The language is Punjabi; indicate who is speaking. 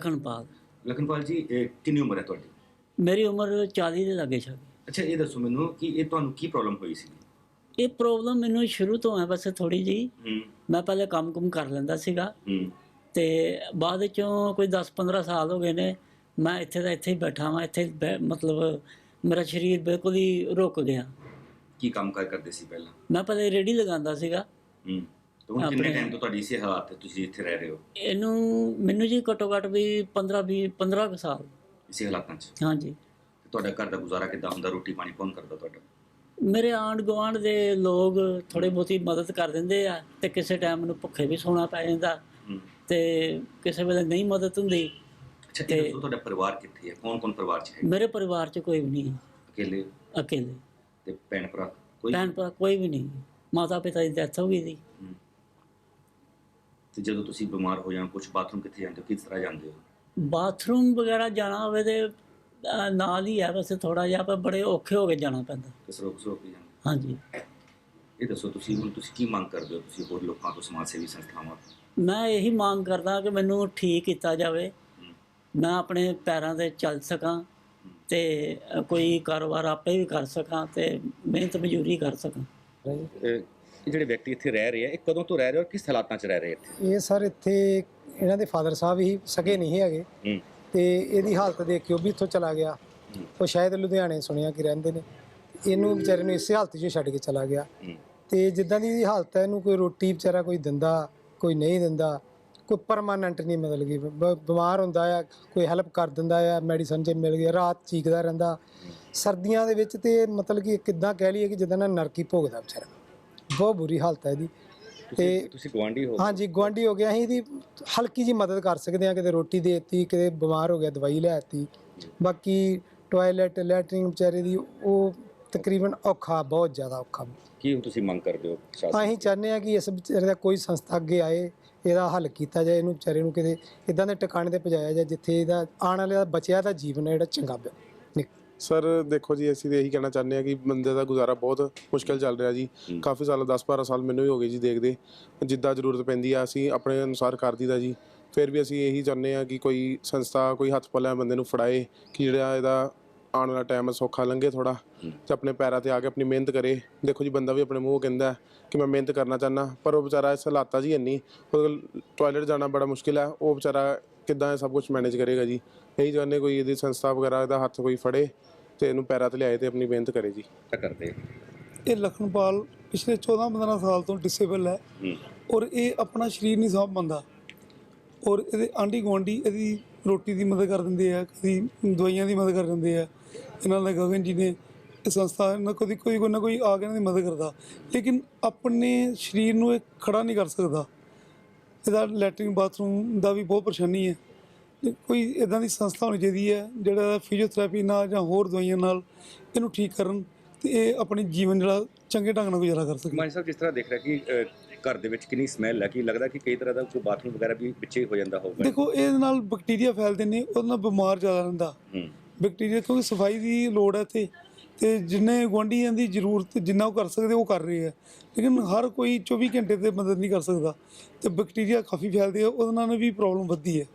Speaker 1: ਲਖਨਪਾਲ।
Speaker 2: ਲਖਨਪਾਲ ਜੀ, ਕਿੰਨੀ ਉਮਰ ਹੈ ਤੁਹਾਡੀ?
Speaker 1: ਮੇਰੀ ਉਮਰ 40 ਦੇ ਲਾਗੇ ਛਾਗੇ।
Speaker 2: ਅੱਛਾ, ਇਹ ਦੱਸੋ ਮੈਨੂੰ ਕਿ ਇਹ ਤੁਹਾਨੂੰ ਕੀ ਪ੍ਰੋਬਲਮ ਹੋਈ ਸੀ?
Speaker 1: ਇਹ ਪ੍ਰੋਬਲਮ ਮੈਨੂੰ ਸ਼ੁਰੂ ਤੋਂ ਹੈ, ਬਸ ਥੋੜ੍ਹੀ ਜਿਹੀ। ਮੈਂ ਪਹਿਲੇ ਕੰਮ ਕਰ ਲੈਂਦਾ ਸੀਗਾ ਅਤੇ ਬਾਅਦ 'ਚੋਂ ਕੋਈ 10-15 ਸਾਲ ਹੋ ਗਏ ਨੇ ਮੈਂ ਇੱਥੇ ਦਾ ਇੱਥੇ ਹੀ ਬੈਠਾ ਵਾਂ। ਇੱਥੇ ਮਤਲਬ ਮੇਰਾ ਸਰੀਰ ਬਿਲਕੁਲ ਹੀ ਰੁਕ ਗਿਆ।
Speaker 2: ਕੀ ਕੰਮ ਕਰਦੇ ਸੀ ਪਹਿਲਾਂ?
Speaker 1: ਮੈਂ ਪਹਿਲੇ ਰੇਹੜੀ ਲਗਾਉਂਦਾ ਸੀਗਾ।
Speaker 2: ਹੁਣ ਕਿੰਨੇ ਟਾਈਮ ਤੋਂ ਤੁਹਾਡੀ ਇਸੇ ਹਾਲਾਤ ਤੇ ਤੁਸੀਂ ਇੱਥੇ ਰਹਿ ਰਹੇ ਹੋ?
Speaker 1: ਮੈਨੂੰ ਜੀ ਘੱਟੋ ਘੱਟ ਵੀ 15 ਕੁ ਸਾਲ
Speaker 2: ਇਸੇ ਹਾਲਾਤਾਂ 'ਚ।
Speaker 1: ਹਾਂਜੀ।
Speaker 2: ਤੁਹਾਡਾ ਘਰ ਦਾ ਗੁਜ਼ਾਰਾ ਕਿੱਦਾਂ ਹੁੰਦਾ? ਰੋਟੀ ਪਾਣੀ ਕੌਣ ਕਰਦਾ ਤੁਹਾਡਾ?
Speaker 1: ਮੇਰੇ ਆਂਢ ਗੁਆਂਢ ਦੇ ਲੋਕ ਥੋੜ੍ਹੀ ਬਹੁਤੀ ਮਦਦ ਕਰ ਦਿੰਦੇ ਆ ਅਤੇ ਕਿਸੇ ਟਾਈਮ ਮੈਨੂੰ ਭੁੱਖੇ ਵੀ ਸੌਣਾ ਪੈ ਜਾਂਦਾ ਅਤੇ ਕਿਸੇ ਵੇਲੇ ਨਹੀਂ ਮਦਦ ਹੁੰਦੀ।
Speaker 2: ਅੱਛਾ, ਇਹ ਦੱਸੋ ਤੁਹਾਡਾ ਪਰਿਵਾਰ ਕਿੱਥੇ ਹੈ? ਕੌਣ ਪਰਿਵਾਰ 'ਚ ਹੈ?
Speaker 1: ਮੇਰੇ ਪਰਿਵਾਰ 'ਚ ਕੋਈ ਵੀ ਨਹੀਂ ਹੈ। ਅਕੇਲੇ।
Speaker 2: ਤੇ ਭੈਣ ਭਰਾ
Speaker 1: ਕੋਈ ਵੀ ਨਹੀਂ। ਮਾਤਾ ਪਿਤਾ ਦੀ ਡੈਥ ਹੋ ਗਈ ਸੀ।
Speaker 2: ਤੇ ਜਦੋਂ ਤੁਸੀਂ ਬਿਮਾਰ ਹੋ ਜਾਂ ਕੁਛ ਬਾਥਰੂਮ ਕਿੱਥੇ ਜਾਂਦੇ ਹੋ? ਕਿਸ ਤਰ੍ਹਾਂ ਜਾਂਦੇ ਹੋ?
Speaker 1: ਬਾਥਰੂਮ ਵਗੈਰਾ ਜਾਣਾ ਹੋਵੇ ਤਾਂ ਨਾਲ ਹੀ ਹੈ, ਵੈਸੇ ਥੋੜ੍ਹਾ ਜਿਹਾ ਪਰ ਬੜੇ ਔਖੇ ਹੋ ਕੇ ਜਾਣਾ ਪੈਂਦਾ।
Speaker 2: ਰੋਕ ਕੇ ਜਾਂਦੇ?
Speaker 1: ਹਾਂਜੀ।
Speaker 2: ਇਹ ਦੱਸੋ ਤੁਸੀਂ ਕੀ ਮੰਗ ਕਰਦੇ ਹੋ ਤੁਸੀਂ ਹੋਰ ਲੋਕਾਂ ਤੋਂ, ਸਮਾਜ ਸੇਵੀ ਸੰਸਥਾਵਾਂ ਤੋਂ?
Speaker 1: ਮੈਂ ਇਹੀ ਮੰਗ ਕਰਦਾ ਕਿ ਮੈਨੂੰ ਠੀਕ ਕੀਤਾ ਜਾਵੇ, ਮੈਂ ਆਪਣੇ ਪੈਰਾਂ 'ਤੇ ਚੱਲ ਸਕਾਂ ਅਤੇ ਕੋਈ ਕਾਰੋਬਾਰ ਆਪੇ ਵੀ ਕਰ ਸਕਾਂ ਅਤੇ ਮਿਹਨਤ ਮਜ਼ਦੂਰੀ ਕਰ ਸਕਾਂ।
Speaker 2: ਇਹ ਜਿਹੜੇ ਵਿਅਕਤੀ ਇੱਥੇ ਰਹਿ ਰਹੇ ਆ, ਇਹ ਕਦੋਂ ਤੋਂ ਰਹਿ ਰਹੇ ਔਰ ਕਿਸ ਹਾਲਾਤਾਂ 'ਚ ਰਹਿ ਰਹੇ ਇੱਥੇ?
Speaker 3: ਇਹ ਸਰ ਇੱਥੇ ਇਹਨਾਂ ਦੇ ਫਾਦਰ ਸਾਹਿਬ ਹੀ ਸਗੇ ਨਹੀਂ ਹੈਗੇ ਅਤੇ ਇਹਦੀ ਹਾਲਤ ਦੇਖ ਕੇ ਉਹ ਵੀ ਇੱਥੋਂ ਚਲਾ ਗਿਆ। ਉਹ ਸ਼ਾਇਦ ਲੁਧਿਆਣੇ ਸੁਣਿਆ ਕਿ ਰਹਿੰਦੇ ਨੇ। ਇਹਨੂੰ ਵਿਚਾਰੇ ਨੂੰ ਇਸੇ ਹਾਲਤ 'ਚ ਛੱਡ ਕੇ ਚਲਾ ਗਿਆ ਅਤੇ ਜਿੱਦਾਂ ਦੀ ਇਹਦੀ ਹਾਲਤ ਹੈ, ਇਹਨੂੰ ਕੋਈ ਰੋਟੀ ਵਿਚਾਰਾ ਕੋਈ ਦਿੰਦਾ, ਕੋਈ ਨਹੀਂ ਦਿੰਦਾ, ਕੋਈ ਪਰਮਾਨੈਂਟ ਨਹੀਂ। ਮਤਲਬ ਕਿ ਬਿਮਾਰ ਹੁੰਦਾ ਆ, ਕੋਈ ਹੈਲਪ ਕਰ ਦਿੰਦਾ ਆ, ਮੈਡੀਸਨ ਜੇ ਮਿਲ ਗਿਆ, ਰਾਤ ਚੀਕਦਾ ਰਹਿੰਦਾ ਸਰਦੀਆਂ ਦੇ ਵਿੱਚ। ਅਤੇ ਮਤਲਬ ਕਿ ਕਿੱਦਾਂ ਕਹਿ ਲਈਏ ਕਿ ਜਿੱਦਾਂ ਨਾ ਨਰਕੀ ਭੋਗਦਾ ਵਿਚਾਰਾ। ਬਹੁਤ ਬੁਰੀ ਹਾਲਤ ਹੈ ਇਹਦੀ। ਅਤੇ
Speaker 2: ਤੁਸੀਂ ਗੁਆਂਢੀ ਹੋ? ਹਾਂਜੀ,
Speaker 3: ਗੁਆਂਢੀ ਹੋ ਗਿਆ। ਅਸੀਂ ਇਹਦੀ ਹਲਕੀ ਜਿਹੀ ਮਦਦ ਕਰ ਸਕਦੇ ਹਾਂ, ਕਿਤੇ ਰੋਟੀ ਦੇ ਦਿੱਤੀ, ਕਿਤੇ ਬਿਮਾਰ ਹੋ ਗਿਆ ਦਵਾਈ ਲੈ ਦਿੱਤੀ। ਬਾਕੀ ਟੋਇਲਟ ਲੈਟਰਿੰਗ ਵਿਚਾਰੇ ਦੀ ਉਹ ਤਕਰੀਬਨ ਔਖਾ, ਬਹੁਤ ਜ਼ਿਆਦਾ ਔਖਾ।
Speaker 2: ਕੀ ਤੁਸੀਂ ਮੰਗ ਕਰਦੇ ਹੋ?
Speaker 3: ਅਸੀਂ ਚਾਹੁੰਦੇ ਹਾਂ ਕਿ ਇਸ ਵਿਚਾਰੇ ਦਾ ਕੋਈ ਸੰਸਥਾ ਅੱਗੇ ਆਏ, ਇਹਦਾ ਹੱਲ ਕੀਤਾ ਜਾਏ, ਇਹਨੂੰ ਵਿਚਾਰੇ ਨੂੰ ਕਿਤੇ ਇੱਦਾਂ ਦੇ ਟਿਕਾਣੇ 'ਤੇ ਪਹੁੰਚਾਇਆ ਜਾਏ ਜਿੱਥੇ ਇਹਦਾ ਆਉਣ ਵਾਲਾ ਬਚਿਆ ਦਾ ਜੀਵਨ ਹੈ ਜਿਹੜਾ ਚੰਗਾ
Speaker 4: ਸਰ ਦੇਖੋ ਜੀ, ਅਸੀਂ ਤਾਂ ਇਹੀ ਕਹਿਣਾ ਚਾਹੁੰਦੇ ਹਾਂ ਕਿ ਬੰਦੇ ਦਾ ਗੁਜ਼ਾਰਾ ਬਹੁਤ ਮੁਸ਼ਕਿਲ ਚੱਲ ਰਿਹਾ ਜੀ। ਕਾਫੀ ਸਾਲ 10-12 ਸਾਲ ਮੈਨੂੰ ਵੀ ਹੋ ਗਏ ਜੀ ਦੇਖਦੇ। ਜਿੱਦਾਂ ਜ਼ਰੂਰਤ ਪੈਂਦੀ ਆ ਅਸੀਂ ਆਪਣੇ ਅਨੁਸਾਰ ਕਰ ਦਈਦਾ ਜੀ। ਫਿਰ ਵੀ ਅਸੀਂ ਇਹੀ ਚਾਹੁੰਦੇ ਹਾਂ ਕਿ ਕੋਈ ਸੰਸਥਾ, ਕੋਈ ਹੱਥ ਪੱਲਿਆਂ ਬੰਦੇ ਨੂੰ ਫੜਾਏ ਕਿ ਜਿਹੜਾ ਇਹਦਾ ਆਉਣ ਵਾਲਾ ਟਾਈਮ ਸੌਖਾ ਲੰਘੇ ਥੋੜ੍ਹਾ, ਅਤੇ ਆਪਣੇ ਪੈਰਾਂ 'ਤੇ ਆ ਕੇ ਆਪਣੀ ਮਿਹਨਤ ਕਰੇ। ਦੇਖੋ ਜੀ, ਬੰਦਾ ਵੀ ਆਪਣੇ ਮੂੰਹ ਕਹਿੰਦਾ ਕਿ ਮੈਂ ਮਿਹਨਤ ਕਰਨਾ ਚਾਹੁੰਦਾ, ਪਰ ਉਹ ਵਿਚਾਰਾ ਇਸ ਹਾਲਾਤਾਂ 'ਚ ਹੀ ਇੰਨੀ, ਟੋਇਲਟ ਜਾਣਾ ਬੜਾ ਮੁਸ਼ਕਿਲ ਹੈ। ਉਹ ਵਿਚਾਰਾ ਕਿੱਦਾਂ ਇਹ ਸਭ ਕੁਛ ਮੈਨੇਜ ਕਰੇਗਾ ਜੀ? ਇਹੀ ਚਾਹੁੰਦੇ ਕੋਈ ਇਹਦੀ ਸੰਸਥਾ ਵਗੈਰਾ ਇਹਦਾ ਹੱਥ ਕੋਈ ਫੜੇ ਅਤੇ ਇਹਨੂੰ ਪੈਰਾਂ 'ਤੇ ਲਿਆਏ ਅਤੇ ਆਪਣੀ ਮਿਹਨਤ ਕਰੇ ਜੀ।
Speaker 2: ਕਰਦੇ
Speaker 5: ਇਹ ਲਖਨਪਾਲ ਪਿਛਲੇ 14-15 ਸਾਲ ਤੋਂ ਡਿਸੇਬਲ ਹੈ ਔਰ ਇਹ ਆਪਣਾ ਸਰੀਰ ਨਹੀਂ ਸਾਂਭ ਪਾਉਂਦਾ ਔਰ ਇਹਦੇ ਆਂਢੀ ਗੁਆਂਢੀ ਇਹਦੀ ਰੋਟੀ ਦੀ ਮਦਦ ਕਰ ਦਿੰਦੇ ਆ, ਕਦੀ ਦਵਾਈਆਂ ਦੀ ਮਦਦ ਕਰ ਦਿੰਦੇ ਆ। ਇਹਨਾਂ ਦਾ ਗਗਨ ਜੀ ਨੇ ਇਹ ਸੰਸਥਾ ਨਾਲ ਕਦੀ ਕੋਈ ਨਾ ਕੋਈ ਆ ਕੇ ਇਹਨਾਂ ਦੀ ਮਦਦ ਕਰਦਾ, ਲੇਕਿਨ ਆਪਣੇ ਸਰੀਰ ਨੂੰ ਇਹ ਖੜਾ ਨਹੀਂ ਕਰ ਸਕਦਾ। ਇਹਦਾ ਲੈਟਰਿੰਗ ਬਾਥਰੂਮ ਦਾ ਵੀ ਬਹੁਤ ਪਰੇਸ਼ਾਨੀ ਹੈ। ਕੋਈ ਇੱਦਾਂ ਦੀ ਸੰਸਥਾ ਹੋਣੀ ਚਾਹੀਦੀ ਹੈ ਜਿਹੜਾ ਫਿਜ਼ੀਓਥੈਰੇਪੀ ਨਾਲ ਜਾਂ ਹੋਰ ਦਵਾਈਆਂ ਨਾਲ ਇਹਨੂੰ ਠੀਕ ਕਰਨ ਅਤੇ ਇਹ ਆਪਣੀ ਜੀਵਨ ਜਿਹੜਾ ਚੰਗੇ ਢੰਗ ਨਾਲ ਗੁਜ਼ਾਰਾ ਕਰ ਸਕੇ।
Speaker 2: ਮਾਨ ਸਾਹਿਬ, ਜਿਸ ਤਰ੍ਹਾਂ ਦੇਖ ਰਿਹਾ ਕਿ ਘਰ ਦੇ ਵਿੱਚ ਕਿੰਨੀ ਸਮੈਲ ਹੈ, ਕਿ ਲੱਗਦਾ ਕਿ ਕਈ ਤਰ੍ਹਾਂ ਦਾ ਕੋਈ ਬਾਥਰੂਮ ਵਗੈਰਾ ਵੀ ਵਿੱਚੇ ਹੋ ਜਾਂਦਾ ਹੋਊਗਾ?
Speaker 5: ਦੇਖੋ, ਇਹਦੇ ਨਾਲ ਬੈਕਟੀਰੀਆ ਫੈਲਦੇ ਨੇ, ਉਹਦੇ ਨਾਲ ਬਿਮਾਰ ਜ਼ਿਆਦਾ ਰਹਿੰਦਾ ਬੈਕਟੀਰੀਆ, ਕਿਉਂਕਿ ਸਫਾਈ ਦੀ ਲੋੜ ਹੈ ਇੱਥੇ। ਅਤੇ ਜਿੰਨੇ ਗੁਆਂਢੀਆਂ ਦੀ ਜ਼ਰੂਰਤ ਜਿੰਨਾ ਉਹ ਕਰ ਸਕਦੇ ਉਹ ਕਰ ਰਹੇ ਹੈ, ਲੇਕਿਨ ਹਰ ਕੋਈ 24 ਘੰਟੇ 'ਤੇ ਮਦਦ ਨਹੀਂ ਕਰ ਸਕਦਾ ਅਤੇ ਬੈਕਟੀਰੀਆ ਕਾਫੀ ਫੈਲਦੇ ਆ, ਉਹਦੇ ਨਾਲ ਵੀ ਪ੍ਰੋਬਲਮ ਵੱਧਦੀ ਹੈ।